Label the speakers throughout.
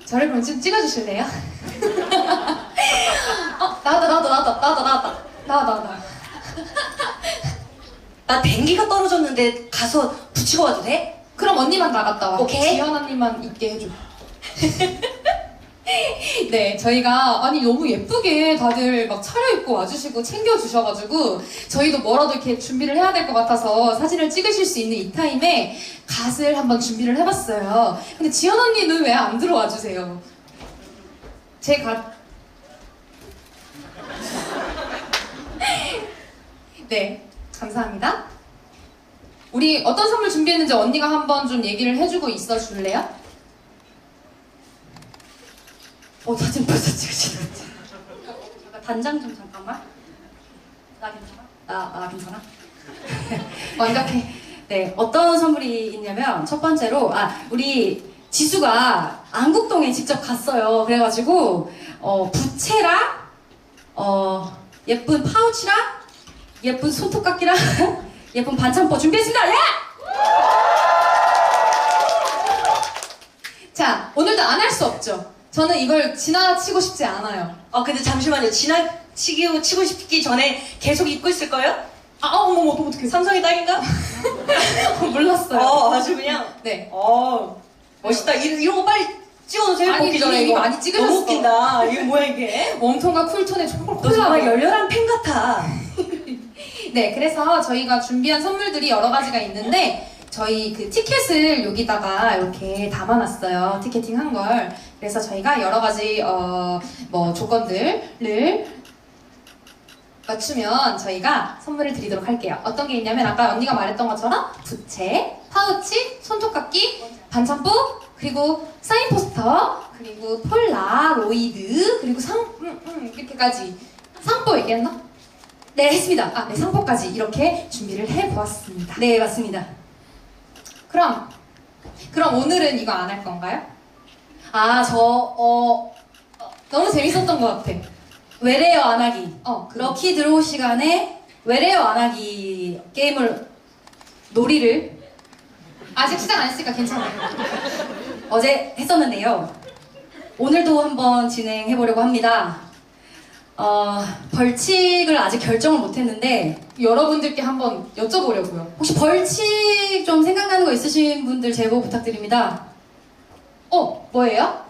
Speaker 1: 저를 그럼 좀 찍어주실래요? 나왔다.
Speaker 2: 나 댕기가 떨어졌는데 가서 붙이고 와도 돼?
Speaker 1: 그럼 언니만 나갔다 와.
Speaker 2: 오케이.
Speaker 1: 지연 언니만 있게 해줘. 네, 저희가 아니 너무 예쁘게 다들 막 차려입고 와주시고 챙겨주셔가지고 저희도 뭐라도 이렇게 준비를 해야 될 것 같아서 사진을 찍으실 수 있는 이 타임에 갓을 한번 준비를 해봤어요. 근데 지연 언니는 왜 안 들어와 주세요? 제 갓. 네, 감사합니다. 우리 어떤 선물 준비했는지 언니가 한번 좀 얘기를 해주고 있어 줄래요?
Speaker 2: 사진 벌써 찍으시는 거지? 단장 좀 잠깐만. 나 괜찮아? 나 괜찮아?
Speaker 1: 완벽해.
Speaker 2: 네, 어떤 선물이 있냐면 첫 번째로 우리 지수가 안국동에 직접 갔어요. 그래가지고 부채랑 예쁜 파우치랑 예쁜 손톱깎이랑 예쁜 반창포 준비했습니다. 예!
Speaker 1: 자, 오늘도 안 할 수 없죠. 저는 이걸 지나치고 싶지 않아요.
Speaker 2: 근데 잠시만요. 지나치고 치고 싶기 전에 계속 입고 있을 거예요?
Speaker 1: 어머, 어떡해.
Speaker 2: 삼성의 딸인가?
Speaker 1: 몰랐어요.
Speaker 2: 아주 그냥.
Speaker 1: 네.
Speaker 2: 멋있다. 이런 거 빨리 찍어놓으세요.
Speaker 1: 아니,
Speaker 2: 먹기 전에
Speaker 1: 이미
Speaker 2: 이거.
Speaker 1: 많이 찍으셨어.
Speaker 2: 너무 웃긴다. 이거 뭐야 이게?
Speaker 1: 웜톤과 쿨톤의 초콜릿
Speaker 2: 너 정말 열렬한 팬 같아.
Speaker 1: 네, 그래서 저희가 준비한 선물들이 여러 가지가 있는데 저희 그 티켓을 여기다가 이렇게 담아놨어요. 티켓팅 한 걸. 그래서 저희가 여러 가지 뭐 조건들을 맞추면 저희가 선물을 드리도록 할게요. 어떤 게 있냐면 아까 언니가 말했던 것처럼 부채, 파우치, 손톱깎이, 반창포, 그리고 사인 포스터, 그리고 폴라로이드, 그리고 이렇게까지. 상포 얘기했나?
Speaker 2: 네, 했습니다.
Speaker 1: 네, 상포까지 이렇게 준비를 해보았습니다.
Speaker 2: 네, 맞습니다.
Speaker 1: 그럼 오늘은 이거 안 할 건가요? 너무 재밌었던 것 같아.
Speaker 2: 외래어 안 하기.
Speaker 1: 그렇게
Speaker 2: 럭키 드로우 시간에 외래어 안 하기 게임을 놀이를
Speaker 1: 아직 시작 안 했으니까 괜찮아요.
Speaker 2: 어제 했었는데요. 오늘도 한번 진행해 보려고 합니다. 벌칙을 아직 결정을 못 했는데
Speaker 1: 여러분들께 한번 여쭤보려고요.
Speaker 2: 혹시 벌칙 좀 생각나는 거 있으신 분들 제보 부탁드립니다.
Speaker 1: 뭐예요?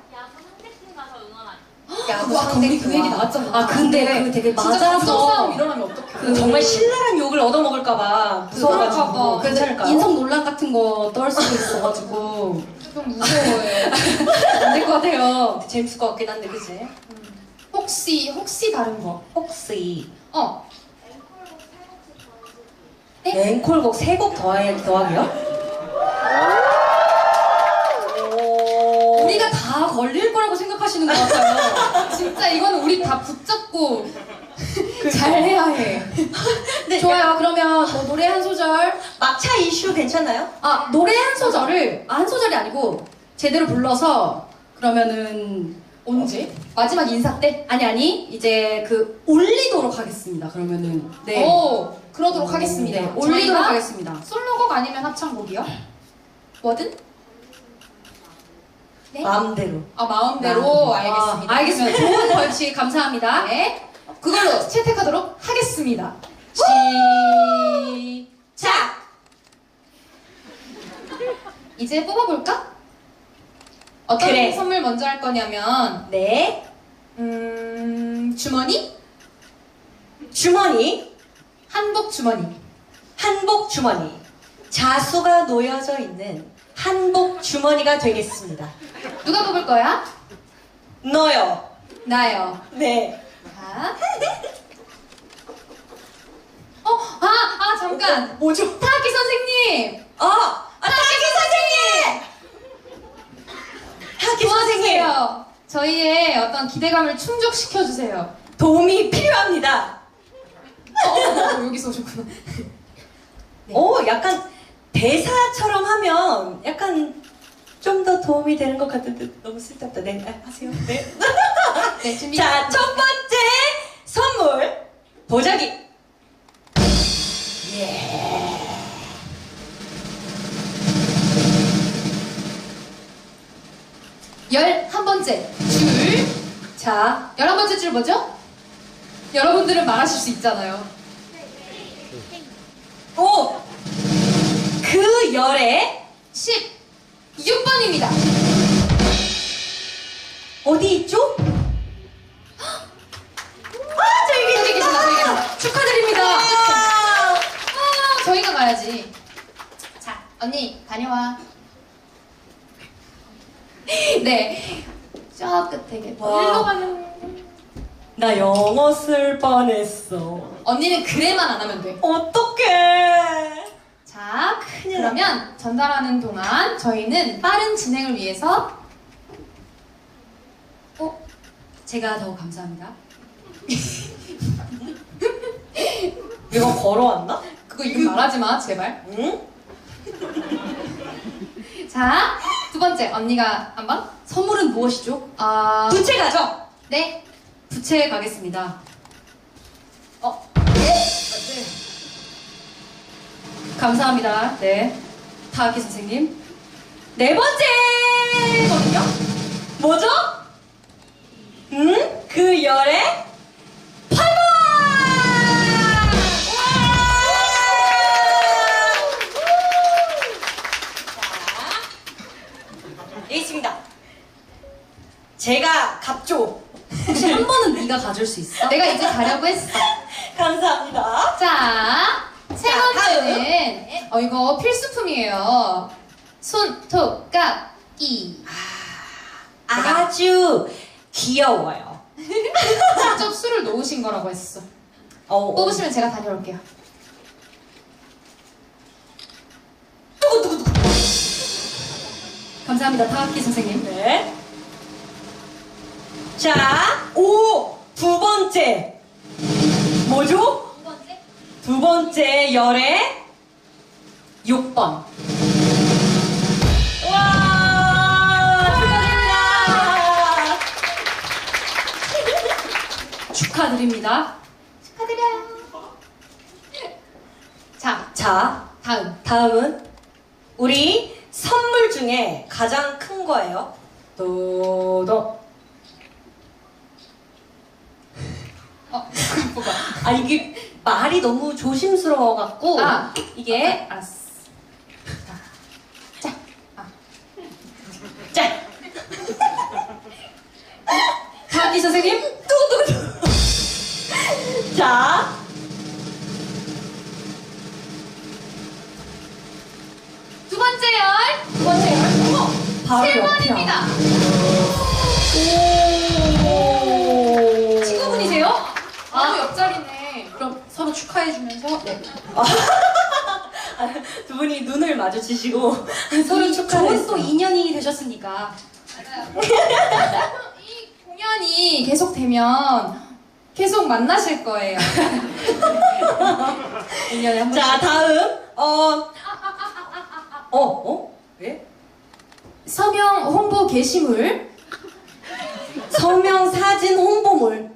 Speaker 2: 야구
Speaker 1: 와,
Speaker 2: 상대
Speaker 1: 우리 그 얘기 나왔잖아.
Speaker 2: 근데 그 되게
Speaker 1: 진짜 감정
Speaker 2: 맞아서
Speaker 1: 싸움 일어나면 어떡해.
Speaker 2: 정말 신랄한 욕을 얻어먹을까봐 무서워가지고
Speaker 1: 그럴까봐.
Speaker 2: 그래서 인성 논란 같은 거 떨 수도 있어가지고
Speaker 1: 좀 무서워요.
Speaker 2: 안 될 것 같아요. 재밌을 것 같긴 한데 그치?
Speaker 1: 혹시 다른 거?
Speaker 2: 혹시
Speaker 1: 네?
Speaker 2: 앵콜곡 3곡 더하기요? 우리가 다 걸릴 거라고 생각하시는 것 같아요.
Speaker 1: 진짜 이거는 우리 다 붙잡고 잘해야 해.
Speaker 2: 네, 좋아요. 그러면 노래 한 소절. 막차 이슈 괜찮나요? 노래 한 소절을 한 소절이 아니고 제대로 불러서 그러면은
Speaker 1: 언제? 마지막 인사 때?
Speaker 2: 아니 이제 올리도록 하겠습니다. 그러면은 네.
Speaker 1: 그러도록 하겠습니다.
Speaker 2: 네, 올리도록
Speaker 1: 저희가
Speaker 2: 하겠습니다.
Speaker 1: 솔로곡 아니면 합창곡이요? 뭐든? 네?
Speaker 2: 마음대로.
Speaker 1: 마음대로 알겠습니다.
Speaker 2: 알겠습니다. 좋은 벌칙 감사합니다.
Speaker 1: 네. 그걸로 채택하도록 하겠습니다.
Speaker 2: 시작.
Speaker 1: 이제 뽑아볼까? 어떤
Speaker 2: 그래.
Speaker 1: 선물 먼저 할 거냐면
Speaker 2: 네.
Speaker 1: 주머니?
Speaker 2: 주머니.
Speaker 1: 한복 주머니.
Speaker 2: 한복 주머니. 자수가 놓여져 있는 한복 주머니가 되겠습니다.
Speaker 1: 누가 뽑을 거야?
Speaker 2: 너요.
Speaker 1: 나요.
Speaker 2: 네.
Speaker 1: 자. 잠깐.
Speaker 2: 뭐죠?
Speaker 1: 타키 선생님.
Speaker 2: 타키 선생님. 타키 선생님.
Speaker 1: 도와주세요. 저희의 어떤 기대감을 충족시켜 주세요.
Speaker 2: 도움이 필요합니다.
Speaker 1: 여기서 오셨구나.
Speaker 2: 약간 대사처럼 하면 약간 좀 더 도움이 되는 것 같은데 너무 쓸데없다. 네, 하세요. 네.
Speaker 1: 네, 준비.
Speaker 2: 자, 첫 번째 선물 보자기.
Speaker 1: 11번째 줄.
Speaker 2: 자,
Speaker 1: 11번째 줄 뭐죠? 여러분들은 말하실 수 있잖아요.
Speaker 2: 오! 그 열에
Speaker 1: 16번입니다.
Speaker 2: 어디 있죠?
Speaker 1: 저기 계신다, 저기 계신다. 축하드립니다. 저희가 가야지. 자, 언니, 다녀와. 네. 저 끝에 계세요.
Speaker 2: 와.
Speaker 1: 일로 가는.
Speaker 2: 나 영어 쓸 뻔했어.
Speaker 1: 언니는 그래만 안 하면 돼.
Speaker 2: 어떡해.
Speaker 1: 자,
Speaker 2: 큰일
Speaker 1: 그러면 전달하는 동안 저희는 빠른 진행을 위해서
Speaker 2: 제가 더 감사합니다. 이거 걸어왔나?
Speaker 1: 그거 이름 말하지 마, 제발.
Speaker 2: 응?
Speaker 1: 자, 두 번째 언니가 한번.
Speaker 2: 선물은 무엇이죠?
Speaker 1: 부채
Speaker 2: 가죠.
Speaker 1: 네.
Speaker 2: 부채 가겠습니다. 감사합니다. 네. 타aki 선생님. 네 번째거든요? 뭐죠? 그 열에 8번! 자, 여기 있습니다. 제가 갑죠. 혹시 한 번은 네가 가질 수 있어?
Speaker 1: 내가 이제 가려고 했어.
Speaker 2: 감사합니다.
Speaker 1: 자, 세
Speaker 2: 자,
Speaker 1: 번째는 이거 필수품이에요. 손톱깎이.
Speaker 2: 아주 귀여워요.
Speaker 1: 직접 술을 놓으신 거라고 했어. 뽑으시면 제가 다녀올게요.
Speaker 2: 감사합니다, 타aki 선생님. 네. 자, 두 번째. 뭐죠?
Speaker 1: 두 번째?
Speaker 2: 두 번째 열에 6번. 와! 축하드립니다. 축하드립니다.
Speaker 1: 축하드려요. 자,
Speaker 2: 다음은 우리 선물 중에 가장 큰 거예요. 도도.
Speaker 1: 뭐가?
Speaker 2: 이게 말이 너무 조심스러워갖고 이게
Speaker 1: 알았어.
Speaker 2: 자 타aki 선생님 자
Speaker 1: 두 번째 열.
Speaker 2: 바로
Speaker 1: 7번입니다.
Speaker 2: 오
Speaker 1: 친구분이세요? 바로 옆자리네. 그럼 서로 축하해주면서. 네.
Speaker 2: 두 분이 눈을 마주치시고 서로 축하를
Speaker 3: 좋은 또 인연이 되셨으니까.
Speaker 1: 맞아요. 이 공연이 계속되면 계속 만나실 거예요.
Speaker 2: 1년에 한 번씩. 자 다음 왜?
Speaker 1: 서명 홍보 게시물.
Speaker 2: 서명 사진 홍보물.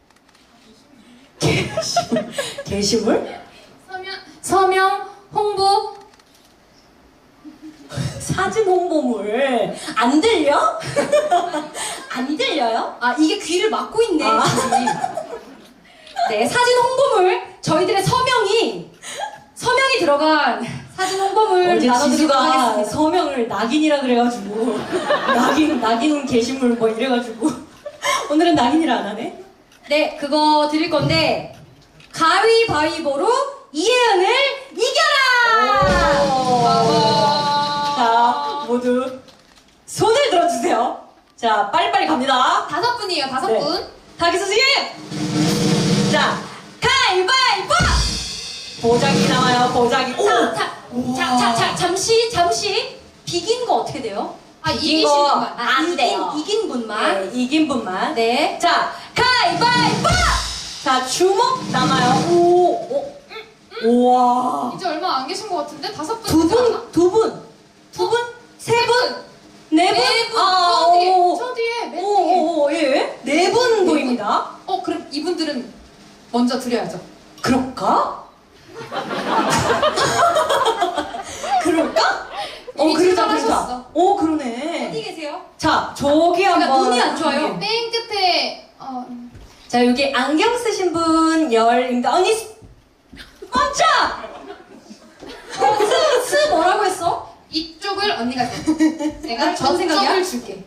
Speaker 2: 게시물?
Speaker 1: 서명 홍보
Speaker 2: 사진 홍보물. 안 들려? 안 들려요?
Speaker 3: 이게 귀를 막고 있네.
Speaker 2: 아.
Speaker 3: 귀. 네, 사진 홍보물. 저희들의 서명이 들어간 사진 홍보물
Speaker 2: 어제
Speaker 3: 나눠드리도록
Speaker 2: 지수가
Speaker 3: 하겠습니다.
Speaker 2: 서명을 낙인이라 그래가지고 낙인 게시물 뭐 이래가지고 오늘은 낙인이라 안 하네.
Speaker 3: 네, 그거 드릴 건데 가위바위보로 이혜은을 이겨라!
Speaker 2: 자 모두 손을 들어주세요. 자 빨리빨리 갑니다.
Speaker 1: 5분이에요. 5분.
Speaker 2: 네. 타aki 선생님! 자 가위바위보! 보자기 나와요. 보자기.
Speaker 3: 잠시 비긴 거 어떻게 돼요?
Speaker 1: 이기신 분만.
Speaker 2: 안 돼요.
Speaker 3: 이긴 분만.
Speaker 2: 네, 이긴 분만.
Speaker 3: 네.
Speaker 2: 자, 가위바위보! 자, 주먹 남아요. 우와.
Speaker 1: 이제 얼마 안 계신 것 같은데? 5분.
Speaker 2: 두 분, 세 분, 네 분.
Speaker 1: 네 분. 저 뒤에. 맨 뒤에.
Speaker 2: 예. 네 분 보입니다.
Speaker 1: 그럼 이분들은 먼저 드려야죠.
Speaker 2: 그럴까? 그럴까?
Speaker 1: 이미
Speaker 2: 그러자.
Speaker 1: 출발하셨어.
Speaker 2: 그러네.
Speaker 3: 어디 계세요?
Speaker 2: 자,
Speaker 3: 자, 저기
Speaker 2: 제가
Speaker 3: 한번.
Speaker 2: 눈이 안 좋아요.
Speaker 1: 맨 끝에
Speaker 3: 자, 여기 안경 쓰신 분 열입니다. 언니, 멈춰!
Speaker 2: 스 뭐라고 했어?
Speaker 1: 이쪽을 언니가 줘. 내가
Speaker 2: 그런 생각이야?
Speaker 1: 점점을 줄게.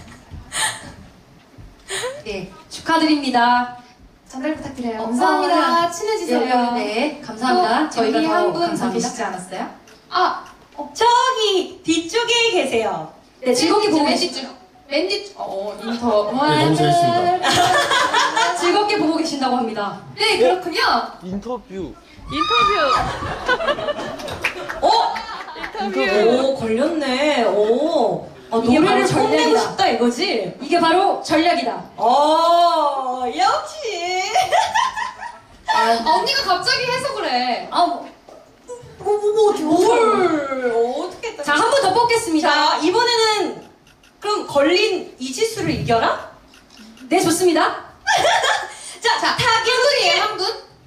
Speaker 2: 네, 축하드립니다.
Speaker 1: 전달 부탁드려요.
Speaker 2: 감사합니다.
Speaker 1: 감사합니다. 친해지세요.
Speaker 2: 네, 감사합니다. 저희가 더
Speaker 1: 한분 더
Speaker 2: 감사합니다.
Speaker 1: 계시지 않았어요? 아,
Speaker 3: 저기 뒤쪽에 계세요.
Speaker 2: 네, 즐겁게 보고
Speaker 1: 맨
Speaker 2: 계시,
Speaker 1: 뒤쪽. 맨 뒤쪽. 인터.
Speaker 4: 네, 너무 재밌습니다.
Speaker 2: 즐겁게 보고 계신다고 합니다.
Speaker 1: 네, 그렇군요.
Speaker 4: 인터뷰.
Speaker 3: 오, 걸렸네. 오.
Speaker 2: 이게
Speaker 3: 노래를
Speaker 2: 바로
Speaker 3: 뽐내고
Speaker 2: 전략이다.
Speaker 3: 싶다 이거지?
Speaker 2: 이게 바로 전략이다.
Speaker 3: 역시.
Speaker 1: 언니가 갑자기 해서 그래.
Speaker 3: 어떻게
Speaker 2: 자, 한 번 더 뽑겠습니다.
Speaker 3: 자, 이번에는 그럼 걸린 이지수를 이겨라?
Speaker 2: 네, 좋습니다.
Speaker 3: 자,
Speaker 1: 한분이에요, 한 분.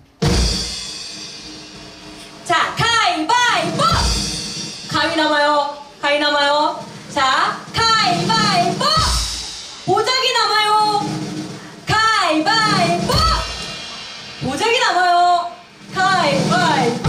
Speaker 3: 자, 가위바위보! 가위 남아요. 가위 남아요. 자, 가위바위보! 보자기 남아요. 가위바위보! 보자기 남아요. 가위바위보!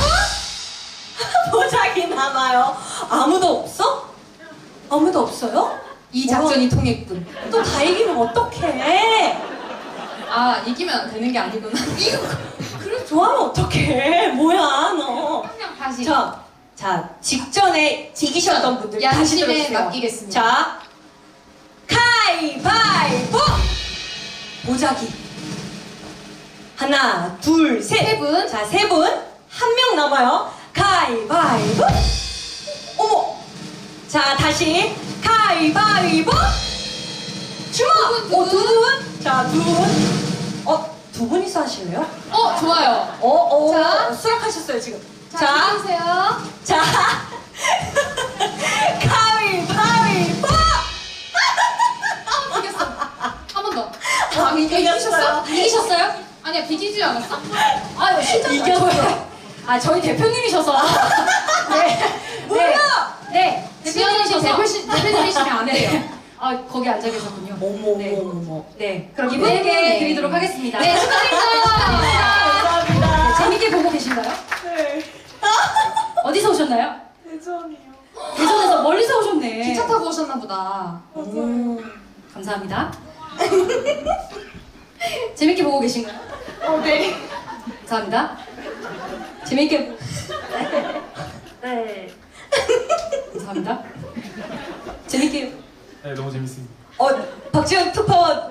Speaker 3: 보자기 남아요. 아무도 없어? 아무도 없어요?
Speaker 1: 이 작전이 통했군.
Speaker 3: 또 다 이기면 어떡해?
Speaker 1: 아, 이기면 되는 게 아니구나. 이거
Speaker 3: 그래, 좋아하면 어떡해? 뭐야, 너.
Speaker 1: 그냥 다시.
Speaker 3: 자, 직전에 이기셨던 분들 다시
Speaker 1: 양심에
Speaker 3: 들어주세요.
Speaker 1: 맡기겠습니다.
Speaker 3: 자, 가위바위보! 보자기. 하나, 둘, 셋.
Speaker 1: 세 분.
Speaker 3: 자, 세 분. 한 명 남아요. 가위바위보! 어머! 자, 다시. 가위바위보! 주먹!
Speaker 1: 두 분, 두 분.
Speaker 3: 두 분. 자, 두 분. 두 분이서 하실래요?
Speaker 1: 좋아요. 자.
Speaker 3: 수락하셨어요, 지금.
Speaker 1: 자, 주세요.
Speaker 3: 자, 가위바위보!
Speaker 1: 이겼어. 한 번 더.
Speaker 3: 이겼어요.
Speaker 2: 이기셨어요?
Speaker 1: 아니야, 비기지 않았어?
Speaker 2: 아유, 진짜
Speaker 3: 이겼어요.
Speaker 2: 저희 대표님이셔서. 네.
Speaker 3: 뭐야?
Speaker 2: 네.
Speaker 1: 지연이 씨 대표님이시면 안 돼요.
Speaker 2: 거기 앉아 계셨군요.
Speaker 3: 어머.
Speaker 2: 네. 그럼 이분에게 드리도록 하겠습니다.
Speaker 1: 네, 축하드립니다.
Speaker 3: 감사합니다.
Speaker 2: 재밌게 보고 계신가요?
Speaker 3: 네.
Speaker 2: 어디서 오셨나요?
Speaker 3: 대전이요.
Speaker 2: 대전에서 멀리서 오셨네.
Speaker 1: 기차 타고 오셨나 보다.
Speaker 2: 감사합니다. 재밌게 보고 계신가요?
Speaker 1: 네.
Speaker 2: 감사합니다. 재밌게. 네. 감사합니다. 재밌게.
Speaker 4: 네, 너무 재밌습니다.
Speaker 3: 박지원 투파원.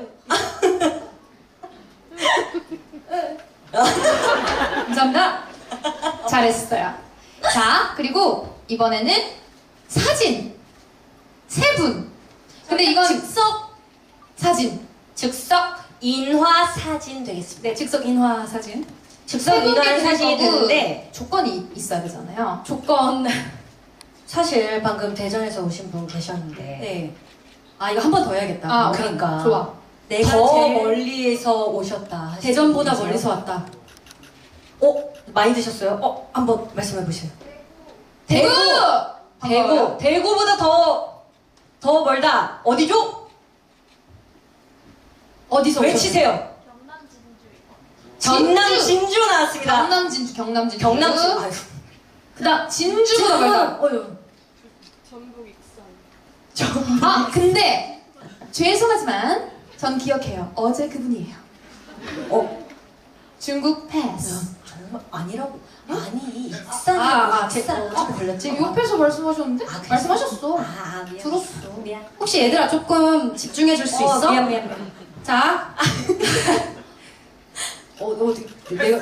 Speaker 2: 감사합니다.
Speaker 1: 잘했어요. 자, 그리고 이번에는 사진. 세 분. 근데 이건
Speaker 2: 즉석
Speaker 1: 사진.
Speaker 3: 즉석 인화 사진 되겠습니다.
Speaker 2: 네, 즉석 인화 사진.
Speaker 3: 즉석
Speaker 1: 세 분께
Speaker 3: 인화
Speaker 1: 드릴
Speaker 3: 사진이
Speaker 1: 거고
Speaker 3: 되는데
Speaker 1: 조건이 있어야 되잖아요.
Speaker 2: 조건.
Speaker 3: 사실 방금 대전에서 오신 분 계셨는데
Speaker 2: 네. 이거 한 번 더 해야겠다.
Speaker 1: 아,
Speaker 3: 그러니까.
Speaker 1: 좋아.
Speaker 2: 내가
Speaker 3: 더
Speaker 2: 제일
Speaker 3: 멀리서 오셨다. 하시는
Speaker 2: 대전보다
Speaker 3: 분이세요?
Speaker 2: 멀리서 왔다.
Speaker 3: 많이 드셨어요? 한번 말씀해 보세요.
Speaker 1: 대구!
Speaker 3: 대구보다 더 멀다. 어디죠?
Speaker 2: 어디서
Speaker 3: 외치세요. 전남 진주 나왔습니다.
Speaker 1: 경남 진주.
Speaker 3: 경남 진주. 아유.
Speaker 2: 그다음
Speaker 1: 진주보다 멀다. 근데 죄송하지만 전 기억해요. 어제 그분이에요. 중국 패스.
Speaker 3: 정말 아니라고. 아니 익산.
Speaker 2: 제가 어떻게 걸렸지?
Speaker 1: 지금 옆에서 말씀하셨는데?
Speaker 3: 그랬어?
Speaker 1: 말씀하셨어.
Speaker 3: 미안.
Speaker 1: 들었어.
Speaker 3: 미안.
Speaker 2: 혹시 얘들아 조금 집중해 줄 수 있어?
Speaker 3: 미안.
Speaker 2: 자. 어디 내가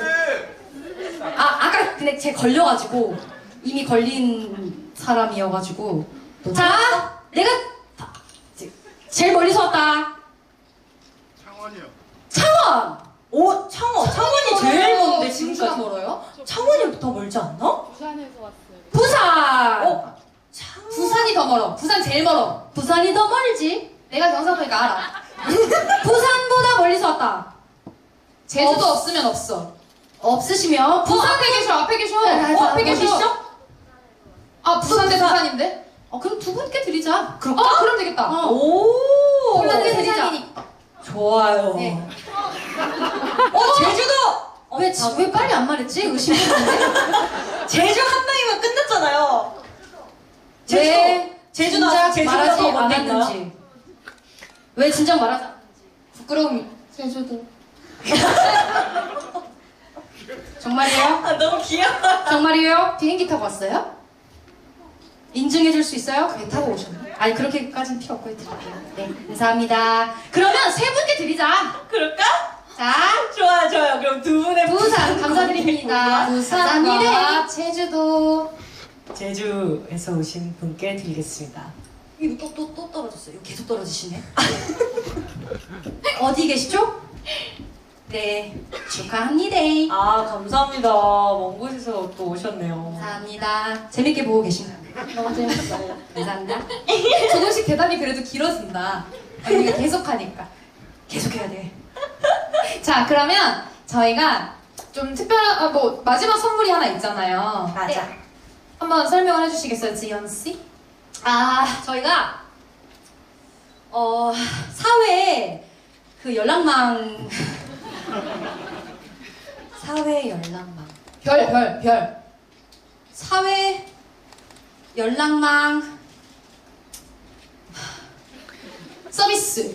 Speaker 2: 아까 근데 제 걸려가지고 이미 걸린 사람이어가지고 자 내가 제일 멀리서 왔다.
Speaker 4: 창원이요.
Speaker 2: 창원.
Speaker 3: 창원이 제일 먼데
Speaker 1: 진주가
Speaker 3: 지금까지.
Speaker 1: 멀어요?
Speaker 3: 창원이 더 멀지 않나?
Speaker 2: 부산.
Speaker 1: 부산이 더 멀어. 부산 제일 멀어.
Speaker 2: 부산이 더 멀지.
Speaker 1: 내가 경상도니까 알아.
Speaker 2: 부산보다 멀리서 왔다.
Speaker 1: 제주도 없으면 없어.
Speaker 2: 없으시면
Speaker 1: 부산 앞에 계셔. 앞에 계셔.
Speaker 2: 네,
Speaker 1: 앞에
Speaker 2: 어디
Speaker 1: 계셔.
Speaker 2: 있어?
Speaker 1: 아, 부산 대 부산인데?
Speaker 2: 그럼 두 분께 드리자.
Speaker 1: 그럼 되겠다.
Speaker 3: 오!
Speaker 2: 두 분께
Speaker 1: 세
Speaker 2: 드리자.
Speaker 1: 잔이니까.
Speaker 3: 좋아요.
Speaker 2: 네.
Speaker 3: 제주도!
Speaker 2: 왜 빨리 안 말했지? 의심했는데.
Speaker 3: 제주 한 방이면 끝났잖아요.
Speaker 2: 왜
Speaker 3: 제주
Speaker 2: 진작
Speaker 3: 나와서 제주도가
Speaker 2: 말하지
Speaker 3: 더 먼데 있나요?
Speaker 2: 않았는지. 왜 진작 말하지 않았는지.
Speaker 1: 부끄러움이. 제주도.
Speaker 2: 정말이에요?
Speaker 3: 아, 너무 귀여워.
Speaker 2: 정말이에요?
Speaker 1: 비행기 타고 왔어요?
Speaker 2: 인증해줄 수 있어요?
Speaker 1: 배 타고 오셨네.
Speaker 2: 아니 그렇게까지는 필요 없고 드릴게요. 네, 감사합니다. 그러면 세 분께 드리자.
Speaker 3: 그럴까?
Speaker 2: 자,
Speaker 3: 좋아요. 그럼 두 분의
Speaker 2: 부산 감사드립니다.
Speaker 1: 부산과
Speaker 2: 감사합니다.
Speaker 1: 제주도.
Speaker 3: 제주에서 오신 분께 드리겠습니다.
Speaker 2: 이거 또 떨어졌어요. 이거 계속 떨어지시네. 어디 계시죠? 네, 축하합니다.
Speaker 3: 아, 감사합니다. 먼 곳에서 또 오셨네요.
Speaker 2: 감사합니다. 재밌게 보고 계신가요?
Speaker 1: 너무 재밌었어요.
Speaker 2: 감사합니다.
Speaker 1: 조금씩 대답이 그래도 길어진다. 언니가 계속 하니까.
Speaker 2: 계속해야 돼.
Speaker 1: 자, 그러면 저희가 좀 특별한, 마지막 선물이 하나 있잖아요.
Speaker 3: 맞아.
Speaker 1: 한번 설명을 해주시겠어요, 지연씨?
Speaker 2: 저희가 사회 그 연락망 사회 연락망
Speaker 1: 별.
Speaker 2: 사회 연락망
Speaker 1: 서비스.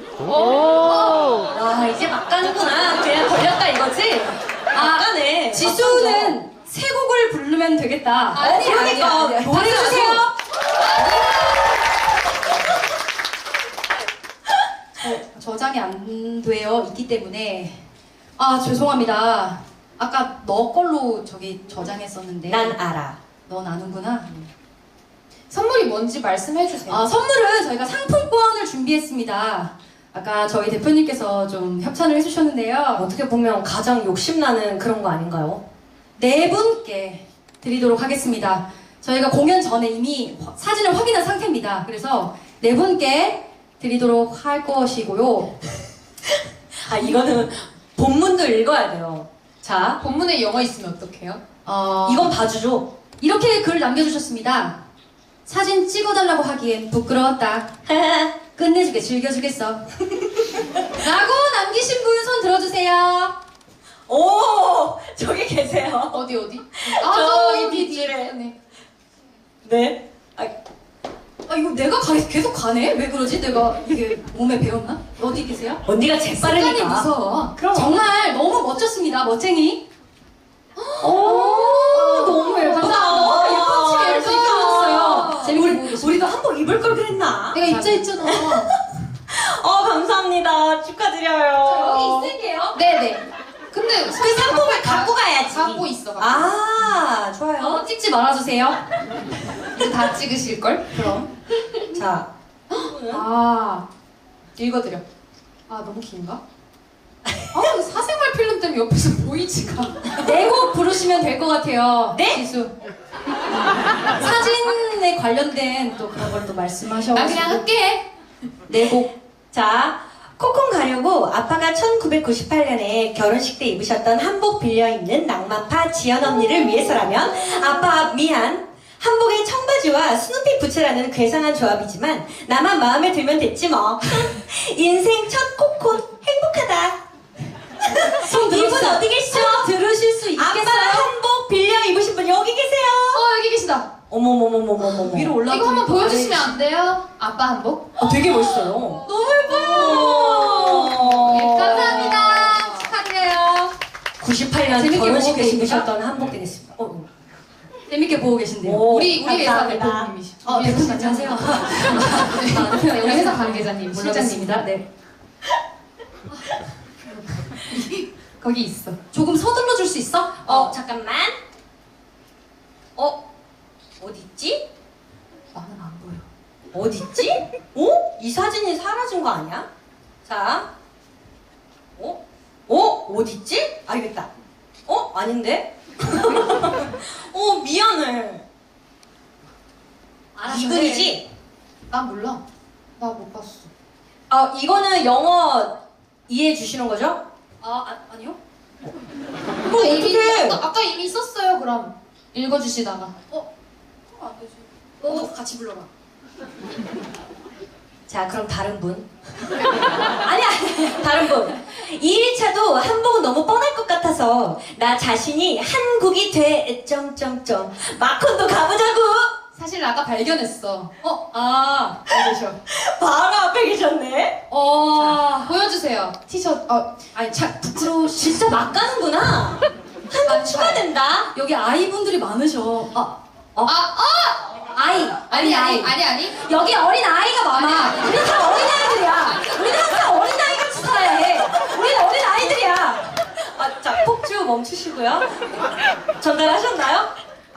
Speaker 3: 와, 이제 막 가는구나. 그냥 걸렸다 이거지? 막 가네.
Speaker 2: 지수는 세 곡을 부르면 되겠다.
Speaker 3: 그러니까 노래 주세요.
Speaker 2: 저장이 안 되어 있기 때문에 죄송합니다. 아까 너 걸로 저기 저장했었는데
Speaker 3: 난 알아.
Speaker 2: 넌 아는구나.
Speaker 1: 선물이 뭔지 말씀해주세요.
Speaker 2: 선물은 저희가 상품권을 준비했습니다. 아까 저희 대표님께서 좀 협찬을 해주셨는데요.
Speaker 3: 어떻게 보면 가장 욕심나는 그런 거 아닌가요?
Speaker 2: 네 분께 드리도록 하겠습니다. 저희가 공연 전에 이미 사진을 확인한 상태입니다. 그래서 네 분께 드리도록 할 것이고요.
Speaker 3: 아, 이거는 본문도 읽어야 돼요. 자,
Speaker 1: 본문에 영어 있으면 어떡해요?
Speaker 3: 이건 봐주죠.
Speaker 2: 이렇게 글 남겨주셨습니다. 사진 찍어달라고 하기엔 부끄러웠다. 끝내주게 즐겨주겠어. 라고 남기신 분 손 들어주세요.
Speaker 3: 오, 저기 계세요.
Speaker 1: 어디?
Speaker 3: 저기
Speaker 1: 뒤,
Speaker 3: 뒷줄에.
Speaker 1: 네.
Speaker 3: 네.
Speaker 2: 이거 내가 계속 가네? 왜 그러지? 내가 이게 몸에 배웠나? 어디 계세요?
Speaker 3: 언니가
Speaker 2: 습관이
Speaker 3: 재빠르니까.
Speaker 2: 무서워.
Speaker 3: 그럼.
Speaker 2: 정말 너무 멋졌습니다. 멋쟁이.
Speaker 3: 오, 너무 예쁘다.
Speaker 2: 감사합니다. 예쁜
Speaker 3: 예쁘다.
Speaker 2: 치마 입어주셨어요. 재밌게 보고 계십니다.
Speaker 3: 우리도 한복 입을 걸 그랬나?
Speaker 1: 내가 입자 했잖아.
Speaker 3: 감사합니다. 축하드려요.
Speaker 2: 여기 있을게요.
Speaker 1: 네네. 근데
Speaker 3: 그 상품을 갖고 가야지.
Speaker 1: 갖고 있어.
Speaker 3: 아, 좋아요.
Speaker 2: 찍지 말아주세요.
Speaker 1: 이제 다 찍으실걸?
Speaker 3: 그럼. 자,
Speaker 1: 읽어드려. 너무 긴가? 이거 사생활 필름 때문에 옆에서 보이지가.
Speaker 2: 네 곡 부르시면 될 것 같아요.
Speaker 3: 네?
Speaker 2: 지수. 사진에 관련된 또 그런 걸 또 말씀하셔가지고.
Speaker 1: 나 그냥 할게.
Speaker 2: 네 곡.
Speaker 3: 자, 코콘 가려고 아빠가 1998년에 결혼식 때 입으셨던 한복 빌려 입는 낭만파 지연 언니를 위해서라면 아빠 미안. 한복에 청바지와 스누피 부츠라는 괴상한 조합이지만 나만 마음에 들면 됐지 뭐. 인생 첫 코콘 행복하다.
Speaker 2: 손
Speaker 3: 이분
Speaker 2: 들어주세요.
Speaker 3: 어디 계시죠?
Speaker 2: 들으실 수
Speaker 3: 아빠
Speaker 2: 있겠어요?
Speaker 3: 한복 빌려 입으신 분 여기 계세요.
Speaker 1: 여기 계시다.
Speaker 3: 어머머머머머머머.
Speaker 2: 위로 올라가.
Speaker 1: 이거 한번 보여주시면 안 돼요? 아빠 한복?
Speaker 3: 되게 멋있어요.
Speaker 2: 너무 예뻐요.
Speaker 1: 네, 감사합니다. 축하드려요.
Speaker 3: 98년
Speaker 2: 재밌게
Speaker 3: 결혼식
Speaker 2: 보고
Speaker 3: 때
Speaker 2: 계십니까?
Speaker 3: 입으셨던 한복 되겠습니다.
Speaker 2: 재밌게 보고 계신데요.
Speaker 3: 오,
Speaker 1: 우리 회사
Speaker 3: 감사합니다.
Speaker 1: 대표님이시죠?
Speaker 2: 대표님 안녕하세요.
Speaker 1: 네, 우리 회사 관계자님,
Speaker 2: 실장님입니다.
Speaker 1: 실장님입니다.
Speaker 2: 네.
Speaker 1: 거기 있어.
Speaker 2: 조금 서둘러 줄 수 있어?
Speaker 3: 잠깐만. 어딨지?
Speaker 1: 나는 안 보여.
Speaker 3: 어딨지? 이 사진이 사라진 거 아니야? 자. 어딨지? 알겠다. 아닌데? 미안해. 이 글이지?
Speaker 1: 난 몰라. 나 못 봤어.
Speaker 3: 이거는 영어 이해해 주시는 거죠?
Speaker 2: 아니요.
Speaker 3: 그럼
Speaker 1: 이미,
Speaker 3: 어떡해?
Speaker 1: 아까 이미 썼어요, 그럼. 읽어주시다가.
Speaker 2: 안 되지. 너도 같이 불러라.
Speaker 3: 자, 그럼 다른 분. 아니야, 다른 분. 2일차도 한복은 너무 뻔할 것 같아서 나 자신이 한국이 돼. 점점점. 마콘도 가보자고.
Speaker 1: 사실 아까 발견했어.
Speaker 2: 알겠어.
Speaker 3: 바로 앞에 계셨네.
Speaker 1: 보여주세요. 티셔츠.
Speaker 2: 아니, 부끄러워.
Speaker 3: 진짜 막 가는구나. 한국 추가된다.
Speaker 2: 여기 아이분들이 많으셔. 아이.
Speaker 1: 아니.
Speaker 2: 여기 어린 아이가 많아.
Speaker 1: 아니.
Speaker 2: 우리 다 어린 아이들이야. 우리는 항상 어린 아이 같이 살아야 해. 우리는 어린 아이들이야.
Speaker 3: 자, 폭주 멈추시고요. 전달하셨나요?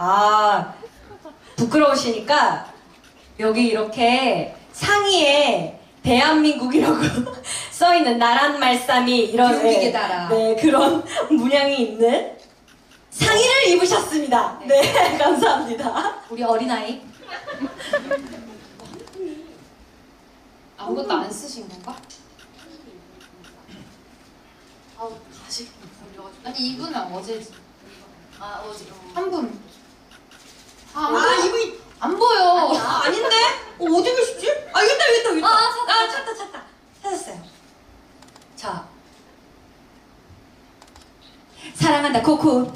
Speaker 3: 부끄러우시니까 여기 이렇게 상의에 대한민국이라고 써있는 나란 말씀이 이런
Speaker 2: 교육에 따라.
Speaker 3: 네, 그런 문양이 있는 상의를 입으셨습니다. 네, 감사합니다.
Speaker 2: 우리 어린 아이.
Speaker 1: 아무것도 안 쓰신 건가?
Speaker 2: 다시 걸려가지고.
Speaker 1: 아니 이분은 어제
Speaker 2: 어제.
Speaker 1: 한 분.
Speaker 3: 이분이
Speaker 1: 안 보여.
Speaker 3: 아닌데? 어디 계시지? 여기 있다. 찾다. 찾았어요.
Speaker 2: 자. 사랑한다 코코.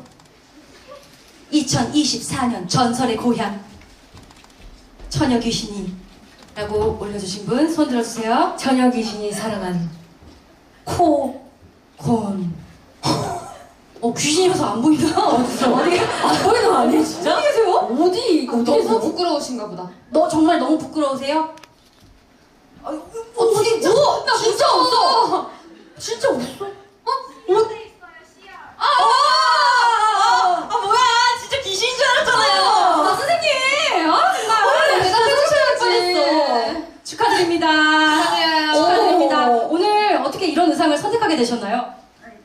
Speaker 2: 2024년 전설의 고향 처녀 귀신이 라고 올려주신 분 손 들어주세요.
Speaker 3: 처녀 귀신이 사랑한
Speaker 2: 콘. 귀신이라서 안 보인다. 어디서? 안 보이는 거 아니에요 진짜? 어디 계세요? 어디?
Speaker 1: 너무
Speaker 2: 어디서?
Speaker 1: 부끄러우신가 보다.
Speaker 2: 너 정말 너무 부끄러우세요?
Speaker 1: 진짜? 나
Speaker 2: 진짜 없어. 진짜 없어.
Speaker 3: 뭐야, 진짜 귀신인 줄 알았잖아요.
Speaker 2: 선생님.
Speaker 1: 원래 대답해주셔야지.
Speaker 2: 축하드립니다.
Speaker 1: 축하드려요.
Speaker 2: 축하드립니다.
Speaker 3: 오.
Speaker 2: 오늘 어떻게 이런 의상을 선택하게 되셨나요?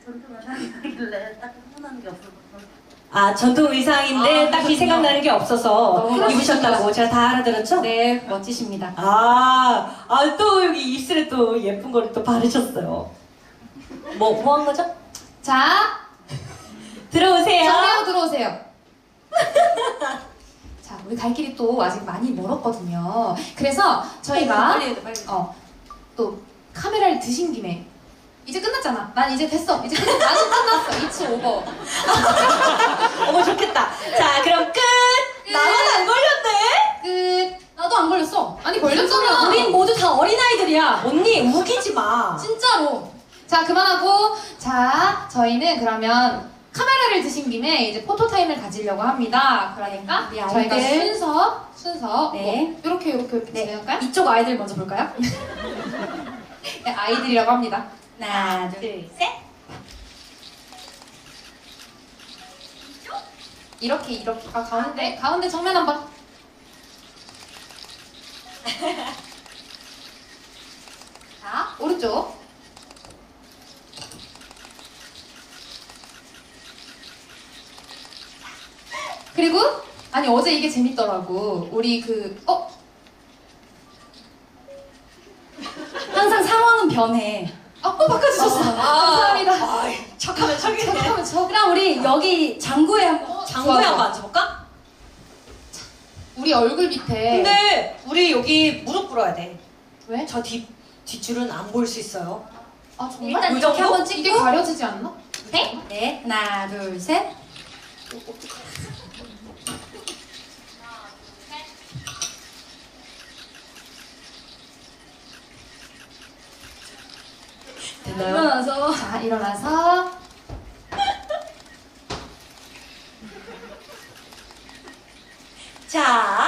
Speaker 3: 전통 의상인데 딱히
Speaker 2: 그렇군요.
Speaker 3: 생각나는 게 없어서
Speaker 2: 너무
Speaker 3: 입으셨다고 제가 다 알아들었죠?
Speaker 2: 네, 멋지십니다.
Speaker 3: 또 여기 입술에 또 예쁜 거를 또 바르셨어요. 뭐 한 거죠?
Speaker 1: 자,
Speaker 3: 들어오세요.
Speaker 1: 정리하고 들어오세요. 자, 우리 갈 길이 또 아직 많이 멀었거든요. 그래서 저희가
Speaker 2: 빨리 해야 돼, 빨리.
Speaker 1: 또 카메라를 드신 김에 이제 끝났잖아. 난 이제 됐어. 이제 나는 끝났어. It's over.
Speaker 3: 어머, 좋겠다. 자, 그럼 끝! 나만 안 걸렸네?
Speaker 1: 끝.
Speaker 2: 나도 안 걸렸어.
Speaker 1: 아니 걸렸잖아.
Speaker 2: 우린 모두 다 어린아이들이야.
Speaker 3: 언니, 우기지 마.
Speaker 2: 진짜로.
Speaker 1: 자, 그만하고 자, 저희는 그러면 카메라를 드신 김에 이제 포토타임을 가지려고 합니다. 그러니까
Speaker 2: 우리
Speaker 1: 저희가
Speaker 2: 아이들.
Speaker 1: 순서
Speaker 2: 네.
Speaker 1: 이렇게
Speaker 2: 네.
Speaker 1: 진행할까요?
Speaker 2: 이쪽 아이들 먼저 볼까요?
Speaker 1: 네, 아이들이라고 합니다.
Speaker 2: 하나, 둘, 셋.
Speaker 1: 이렇게 가운데 정면 한번. 자, 오른쪽. 그리고 아니 어제 이게 재밌더라고. 우리
Speaker 2: 항상 상황은 변해.
Speaker 1: 바꿔주셨어. 감사합니다.
Speaker 3: 척하면 척이네.
Speaker 1: 잠깐만 저
Speaker 2: 그럼 우리 여기 장구에 한번.
Speaker 3: 장구에
Speaker 1: 좋아,
Speaker 3: 한번 앉아볼까?
Speaker 1: 우리 얼굴 밑에
Speaker 3: 근데 우리 여기 무릎 꿇어야 돼.
Speaker 1: 왜?
Speaker 3: 저 뒷줄은 안 보일 수 있어요.
Speaker 1: 아 정말?
Speaker 2: 일단
Speaker 3: 그
Speaker 2: 이렇게
Speaker 3: 정도?
Speaker 2: 한번
Speaker 1: 이게
Speaker 2: 찍고.
Speaker 1: 가려지지 않나?
Speaker 2: 네. 네. 하나, 둘, 셋.
Speaker 3: 됐나요?
Speaker 2: 일어나서.
Speaker 1: 자 일어나서
Speaker 3: 자,